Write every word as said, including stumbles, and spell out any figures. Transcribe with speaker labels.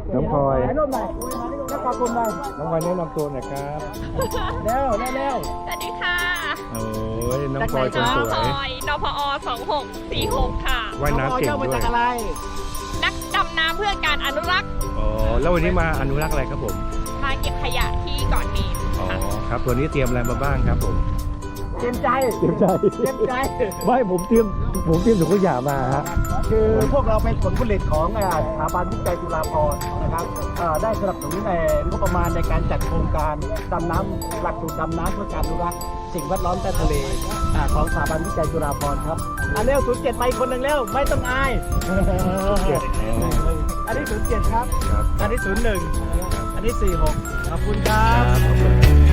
Speaker 1: น้องพลอย
Speaker 2: ถ่ายรูปหน่อยแล้วขอบคุณหน่อย
Speaker 1: น้องพลอยแนะนำตัวหน่อยครับ
Speaker 2: เร็วเร็วเร็ว
Speaker 3: สวัสดีค่ะ
Speaker 1: โอ้ยน้องพลอยคน
Speaker 3: น้อง
Speaker 1: ส
Speaker 3: พ
Speaker 1: ว
Speaker 3: ล
Speaker 1: ย
Speaker 3: อยนพอสองหกสี่หกค่ะ
Speaker 1: ว่ายน้ำเก่ง
Speaker 2: อามา
Speaker 1: ด้ว
Speaker 2: จาย กอะไร
Speaker 3: นักดำน้ำเพื่อการอนุรักษ์
Speaker 1: อ๋อแล้ววันนี้มาอนุรักษ์อะไรครับผม
Speaker 3: มาเก็บขยะที่เกาะนีน
Speaker 1: อ๋อ
Speaker 3: ค่ะ
Speaker 1: ครับตัวนี้เตรียมอะไรมาบ้างครับผม
Speaker 2: เตรียมใจ
Speaker 1: เตรียมใจ
Speaker 2: เตรียมใจ
Speaker 1: ไม่ผมเตรียมผมเตรียมถุงขยะมาฮะ
Speaker 2: คือพวกเราเป็นผลผลิตของอ่าสถาบันวิจัยจุฬาภรณ์นะครับอ่าได้สนับสนุนในงบประมาณในการจัดโครงการดำน้ำหลักสูตรดำน้ำเพื่อการอนุรักษ์สิ่งแวดล้อมใต้ทะเลอ่าของสถาบันวิจัยจุฬาภรณ์ครับอ่าเร็วศูนย์เจ็ดไปคนหนึ่งเร็วไม่ต้องอาย
Speaker 1: เจ็ดอ๋อ
Speaker 2: อันนี้ศูนย์เจ็ดครับ
Speaker 1: ครับ
Speaker 2: อันนี้ศูนย์หนึ่งอันนี้สี่หกขอบคุณครั
Speaker 1: ครับ บขอบคุณ